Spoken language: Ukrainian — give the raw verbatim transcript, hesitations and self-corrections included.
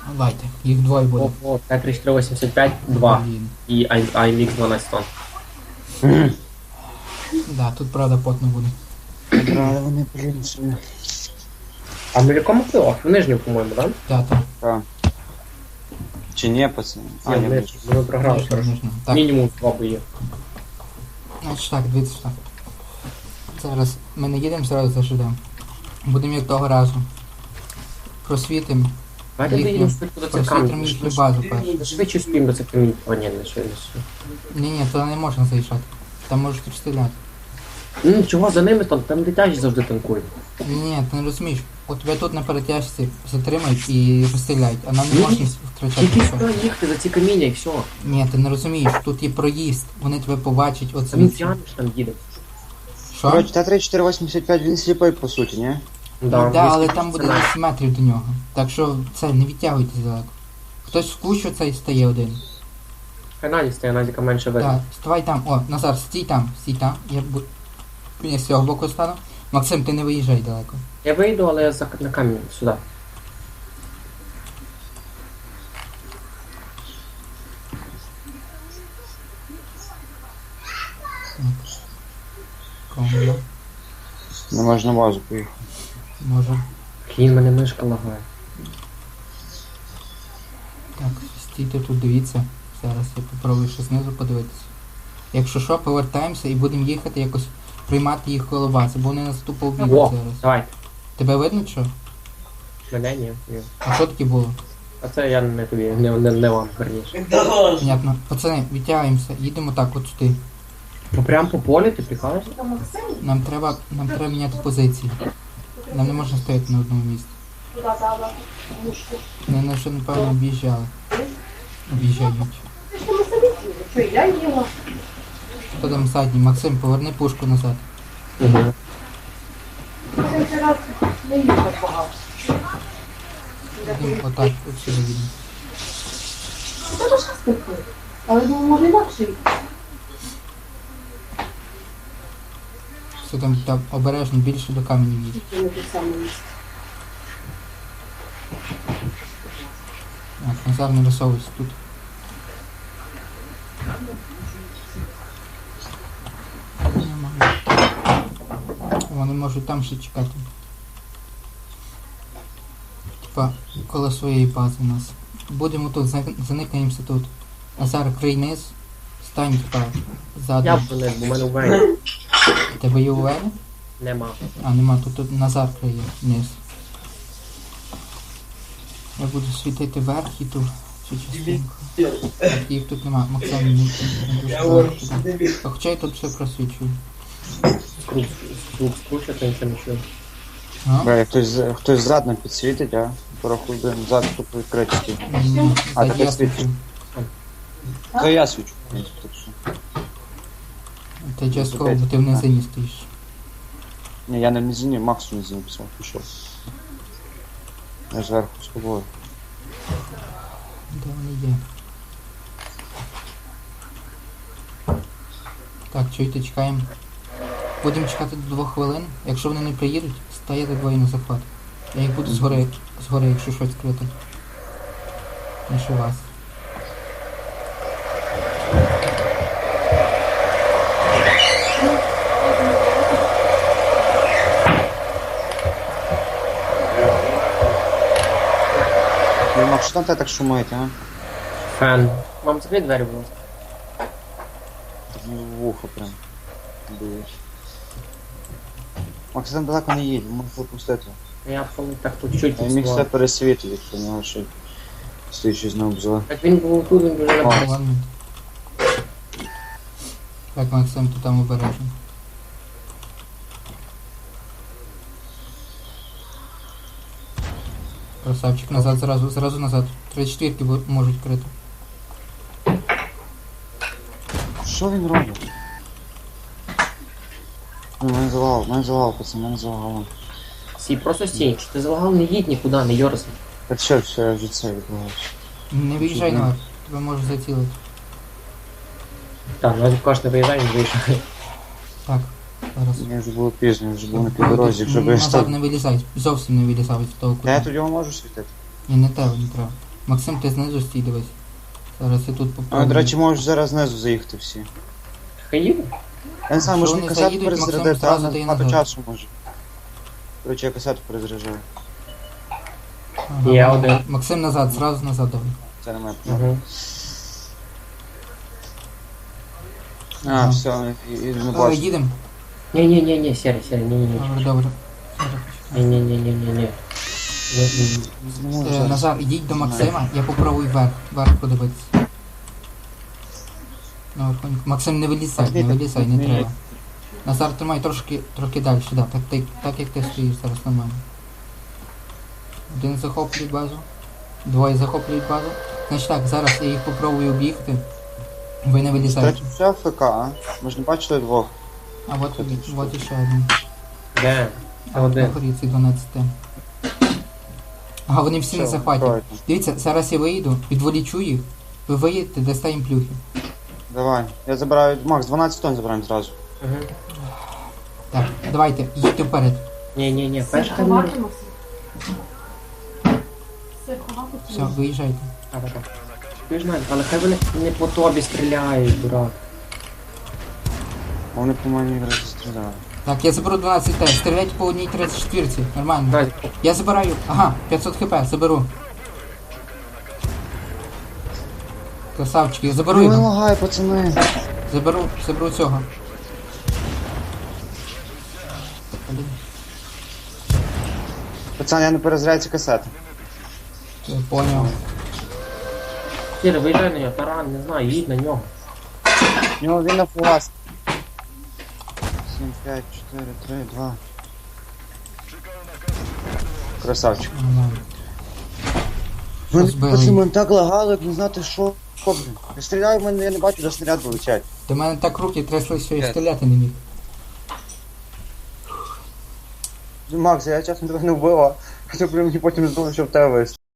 Давайте, їх двоє буде. О, о, Т тридцять три вісімдесят п'ять, два. Блін. І ай ем ікс дванадцять тонн. Да, тут правда потно буде. Брали вони, блін, собі. А ми в якому плей-офф? В нижньому, по-моєму, так? Так, так. Так. Чи ні, пацани? А, Ні, ні, в нижньому. Ми програли. Нижньо, коротше. нижньо. Так, Мінімум два бої. значить так, дивіться так. Зараз ми не їдемо, зразу зажидемо. Будемо як того разу. Просвітимо. Давайте Їхню- доїдемо швидко до цих просвітримо камінь. їхню базу першу. Швидше спіємо до цих камінь. О, ні, не швидше. Ні, ні, туди не можна заїжджати. Там можуть стріляти. Ну, чого за ними там? Там дитячі завжди танкують. Ні, ні, ти не розумієш. От тебе тут на перетяжці затримають і розстріляють, а нам не Ні, можна ні. втрачати Тільки нічого. сюди їхати за ці каміння і все. Ні, ти не розумієш, тут є проїзд, вони тебе побачать, от Там звідси. тянеш там їде. Що? Коротше, Т тридцять чотири вісімдесят п'ять, він сліпий, по суті, ні? Ну, да, вісім але там буде пацана. десять метрів до нього. Так що це, не відтягуйтесь далеко. Хтось в кущу цей стає один. Хай Наді стає, Надіка менше видно. Так, ставай там. О, Назар, стій там, стій там. Я бу... Я з цього боку стану. Максим, ти не виїжджай далеко. Я вийду, але я за на камінь сюди. Комбо. Не можна на базу поїхати. Може. Хін, мене мишка лагає. Так, стійте тут, дивіться. Зараз я попробую ще знизу подивитися. Якщо що, повертаємося і будемо їхати якось приймати їх коло бази, бо вони нас тупо вб'ють О, зараз. давайте. Тебе видно що? Мене ні. ні. А що таке було? А це я не тобі, не, не, не вам, верніше. Понятно. Пацани, відтягаємося, їдемо так от сюди. Ну прям по полі ти прикалуєшся? Нам треба, нам треба міняти позиції. Нам не можна стояти на одному місці. Вони нас вже, напевно, об'їжджали. Об'їжджають. Хто там задній? Максим, поверни пушку назад. Угу. Їдемо отак, от сюди їдемо. Але ну, може інакше. Все там, там обережно, більше до каменів їде. Не те саме місце. Так, Назар, не висовуйся тут. Нормально. Вони можуть там ще чекати. Типа, коло своєї бази у нас. Будемо тут, за- заникаємося тут. Назар, крий низ. Стань, типа, ззаду. Я б не, бо в мене в мене У тебе є УВ? нема. А, нема, тут, тут Назар криє вниз. Я буду світити вверх і ту цю частинку. Так, їх тут нема. Максим, не, не дуже далеко туди. А хоча я тут все просвічую. Скруп, скруп, скручати, нічого не чую. А? Бля, хтось, з- хтось зрадно підсвітить, а? Порахуй, блин, зад тут відкриті. Ні, А, так ти я світиш? свічу. То я свічу, в принципі, так що. Ти частково, бо ти в низині стоїш. Ні, я не в низині, Макс в низині писав, пішов. Я зверху з тобою. Де вони є? Так, чуйте, чекаємо. Будемо чекати до двох хвилин. Якщо вони не приїдуть, стаєте двоє на захват. Я їх буду згори, згори, якщо щось крити. Ніж у вас. Ну, Макс, що там те так шумить, а? Фен. Вам закрий двері, будь ласка. Так мені в вухо прям. Дуєш. Макс, там далеко не їдь, можеш пропустити. Я помню, так тут чуть Я міг все підсував. пересвітити, якщо в нього ще стоїть щось на обзор. Так він був тут, він вже О. на Ладно. Так, Максим, ти там обережно. Красавчик, назад, зразу, зразу назад. тридцять четвірки бу- можуть крити. Що він робить? Ну, мене завал, мене завал, пацан, мене завал. Сій, просто стій. Якщо ти залагав, не їдь нікуди, не йорзай. Та все, все, я вже це відбуваюся. Не виїжджай наверх, тебе можуть зацілити. Так, Назік каже, не виїжджай, не виїжджай. Так, зараз. Мені вже було пізно, я вже був на півдорозі, якщо б я Назад став. не вилізай, зовсім не вилізай з того Та я кута. тут його можу світити? Ні, не треба, не треба. Максим, ти знизу стій, дивись. Зараз я тут А, попробую. до речі, можеш зараз знизу заїхати всі. Хай їде. Я не знаю, Якщо може вони касету заїдуть, Максим перезарядити, зразу а дає багато назад. часу може. До речі, я касету перезаряджаю. Ага, Є Ма- один. Максим назад, зразу назад давай. Це не моя проблема. Угу. А, Ага. все, і, і не Е, бачу. Їдемо. Ні-ні-ні, сірий, сірий, ні-ні-ні. Добре, добре. Зараз почекай. Ні-ні-ні-ні-ні. Не можу Е, зараз. Назар, ідіть до Максима, я попробую вверх, вверх подивитися. Ну, от, Максим, не вилізай, не Пошли, вилізай, не ні. треба. Назар, тримай трошки, трохи далі, да, так, так, так як ти стоїш зараз нормально. Один захоплює базу, двоє захоплюють базу. Значить так, зараз я їх попробую об'їхати. Ви не вилізаєте. Кстати, все ФК, а? Ми ж не бачили двох. А от, от іще один. Де? Це На один. горі ці дванадцять. Ага, вони всі на Все, захваті. давайте. Дивіться, зараз я виїду, відволічу їх, ви виїдете, дасте їм плюхи. Давай. Я забираю. Макс, дванадцять тонн забираємо зразу. Угу. Так, давайте, їдьте вперед. Ні-ні-ні, Все перш хай ми... ховати, Максим? Все ховати чи Все, ні? виїжджайте. А, так, так. Ви ж знаєте, але хай вони не по тобі стріляють, дурак. А вони по мені якраз стріляли. Так, я заберу дванадцять Т, стріляйте по одній тридцять четвірці, нормально. Назік, Я забираю, ага, п'ятсот хп, заберу. Красавчики, я заберу Ну не його. лагай, пацани. Заберу, заберу цього. Блін, Пацан, я не перезаряю ці касети. я поняв. Сірий, виїжджай на нього, таран, не знаю, їдь на нього. У нього він на фугас. сім, п'ять, чотири, три, два. Красавчик. Нормально. Мене, збили пацани, їх? мене так лагало, як не знати, що. Що, блін? Я стріляю, в мене я не бачу, де снаряд вилучать. До мене так руки трясли, що я П'ять. стріляти не міг. Макс, я чесно тебе не вбила. Хоча б мені потім здалося, що в тебе вистріл.